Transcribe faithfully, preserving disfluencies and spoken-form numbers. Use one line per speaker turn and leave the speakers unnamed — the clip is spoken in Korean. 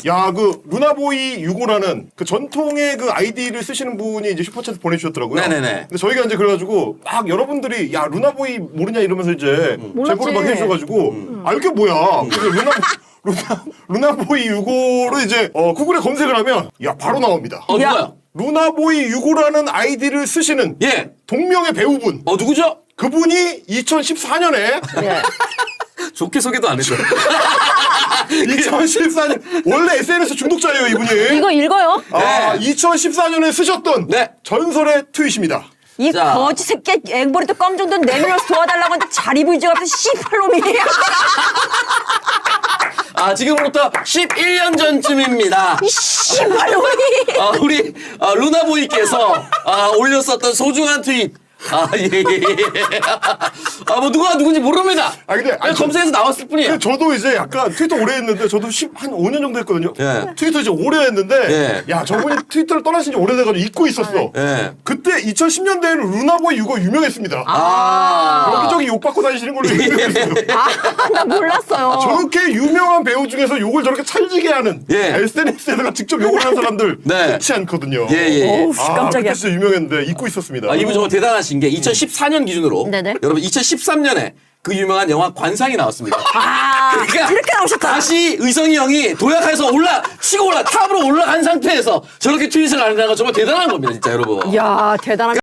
야, 그 루나보이 육오라는 그 전통의 그 아이디를 쓰시는 분이 이제 슈퍼챗 보내주셨더라고요.
네네네.
근데 저희가 이제 그래가지고 막 여러분들이 야 루나보이 모르냐 이러면서 이제 제보를 막 해주셔가지고
음.
아 이게 뭐야? 그래서 루나 루나 루나보이 육오를 이제 어, 구글에 검색을 하면 야 바로 나옵니다.
어, 누가요?
루나보이 육오라는 아이디를 쓰시는
예.
동명의 배우분.
어, 누구죠?
그분이 이천십사 년에
네.
좋게 소개도 안 했어.
이천십사 년 원래 에스엔에스 중독자예요 이분이.
이거 읽어요?
아,
네.
이천십사 년에 쓰셨던
네.
전설의 트윗입니다.
이
자.
거지 새끼 앵벌이도 껌 정도는 내밀어서 도와달라고 했는데 자리 부이지가 없어 씨팔놈이.
아, 지금부터 십일 년 전쯤입니다.
이 씨발놈이.
아, 우리 아, 루나보이께서 아, 올렸었던 소중한 트윗. 아, 예, 예, 예. 아, 뭐, 누가 누군지 모릅니다.
아, 근데,
그냥 검색해서 나왔을 뿐이에요.
근데 저도 이제 약간 트위터 오래 했는데 저도 십, 한 오 년 정도 했거든요.
예.
트위터 이제 오래 했는데
예.
야 저분이 트위터를 떠나신 지 오래돼가지고 잊고 있었어.
예.
그때 이천십 년대에는 루나보이 육오 유명했습니다.
아.
여기저기 욕받고 다니시는 걸로 유명했어요.
아, 나 몰랐어요.
저렇게 유명한 배우 중에서 욕을 저렇게 찰지게 하는
예.
에스엔에스에다가 직접 욕을 하는 사람들
네.
흔치 않거든요.
예, 예, 예.
어우, 씨,
아,
깜짝이야.
그때 진짜 유명했는데 잊고 있었습니다.
아, 이분 정말 대단하신 게 이천십사 년 기준으로
네네.
여러분 이천십삼 년에 그 유명한 영화 관상이 나왔습니다.
아,
그러니까
그렇게 나오셨다.
다시 의성이 형이 도약해서 올라 치고 올라 탑으로 올라간 상태에서 저렇게 트윗을 하는 건 정말 대단한 겁니다, 진짜 여러분.
이야, 대단한.